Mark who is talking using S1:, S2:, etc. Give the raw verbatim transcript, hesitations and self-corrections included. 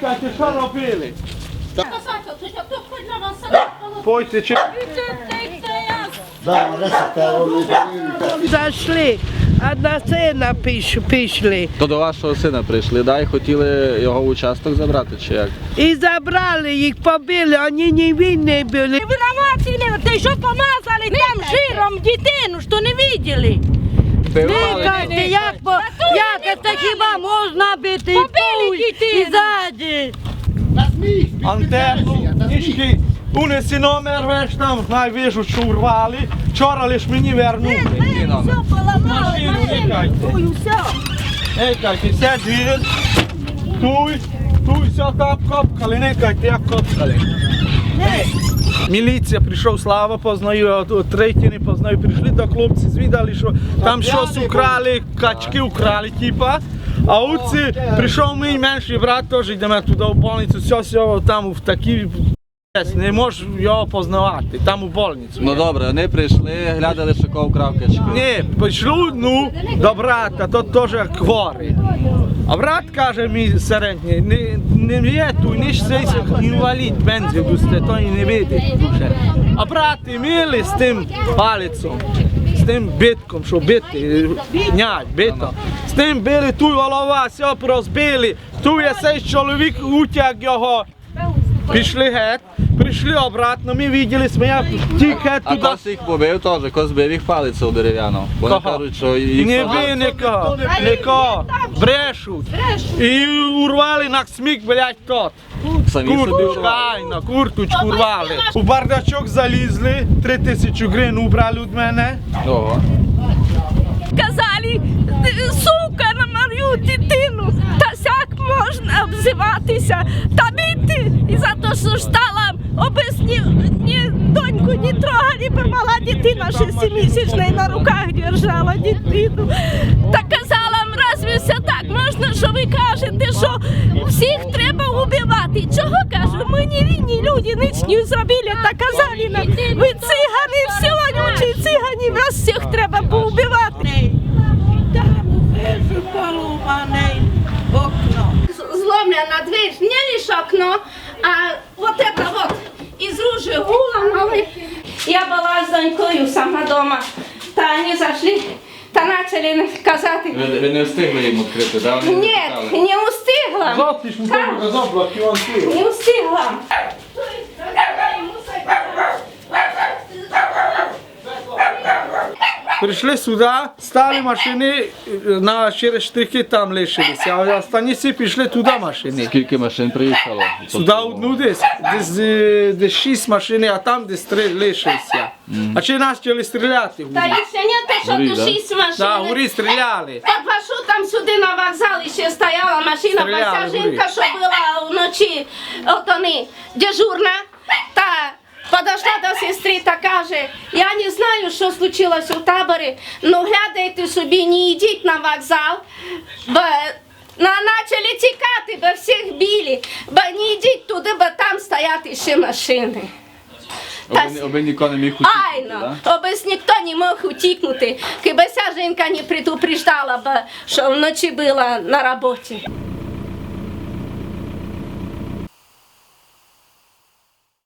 S1: Никайте, що робили? Пойте, чи...
S2: Зайшли, а на сина пішли.
S3: То до вашого сина прийшли, да, і хотіли його в участок забрати, чи як?
S2: І забрали їх, побили, вони не винні були.
S4: Виноваты, ты что помазали там жиром дитину, что не видели?
S2: Никайте, як, по, як це хіба можна бити і
S4: Побили
S2: тут, і
S4: дитину.
S2: ззаді?
S1: Антерну, нічки, унеси номер, веш там, найвижу, що урвали. Вчора лиш мені вернули.
S4: Все поломало,
S1: Машину никайте.
S4: Ой, все.
S1: Никайте, все двір. Туй, туй, все так копкали, никайте, як копкали. Міліція прийшов, Слава познаю, от третій не познаю, прийшли до хлопці, звідали, що там щось украли, качки украли, типа. А оці прийшов мій менший брат, теж йдемо туди в больницю, все, все, там в такій, не можеш його познавати, там у больницю.
S3: Ну добре, вони прийшли, глядали, що кого вкрав качки.
S1: Ні, пішли, ну, до брата, тот теж хворий. А брат каже мій середній, не, не є тут, ніж цей інвалід, бензин, то і не видить дуже. А брати мили з тим палицем, з тим битком, що бити, нять, бито. З тим били, ту голова, все розбили, ту є цей чоловік, утяг його. Пішли геть, прийшли обратно, ми бачили, я тільки
S3: А
S1: туди.
S3: хтось їх побив теж, хтось збив їх палицю дерев'яну. Вони
S1: Кого?
S3: кажуть, що їх
S1: Не
S3: сажали.
S1: ви нікого, нікого, брешуть. І урвали на смік, блядь, тот.
S3: Самі собі
S1: Курточку,
S3: урвали.
S1: айно, курточку урвали. У бардачок залізли, три тисячі гривень убрали від мене.
S3: Ого.
S4: Казали, сука, на мою дитину, та сяк можна обзиватися, та бити. І за те, що стала, обесні, ні доньку не трогали, бо мала дитина шестимісячна на руках держала дитину. Та казала, разве все так можна, що ви кажете, що всіх треба убивати? Чого кажу, ми не винні люди, ніч не зробили, та казали нам, ви цигани, всі вонючі цигани, вас всіх треба поубивати.
S5: Зломлена дверь, не лишь окно, а вот это вот из ружья выломали. Я была с донькою сама дома, та они зашли, та начали казати.
S3: Ви, ви не встигли їм відкрити, да? Вони
S5: Ні,
S3: запитали.
S5: не устигла.
S1: Завтра ж ми тому розоблак, і он пив.
S5: Не устигла.
S1: Прийшли сюди, стали машини, на через штрихи там лишилися, а останні всі пішли туди машини.
S3: Скільки машин приїхало?
S1: Сюди одну десь, десь, е, десь шість машин, а там десь три лишилися. А чи нас почали стріляти?
S5: Та ще не те, що
S3: Горі,
S5: тут
S3: да?
S5: шість машин.
S1: Так, горі стріляли.
S5: Під маршрутом сюди на вокзалі ще стояла машина,
S1: Стріляли,
S5: бо ця жінка, що була вночі, от вони, дежурна, та подошла до сестри та каже, я не знаю, що случилось у таборі, ну глядайте собі, не йдіть на вокзал, бо на, почали тікати, бо всіх били, бо не йдіть туди, бо там стоять ще машини.
S3: Оби, оби ніхто не міг утікнути,
S5: Айно,
S3: да?
S5: обез ніхто не мог утікнути, хіба ця жінка не предупреждала, бо що вночі була на роботі.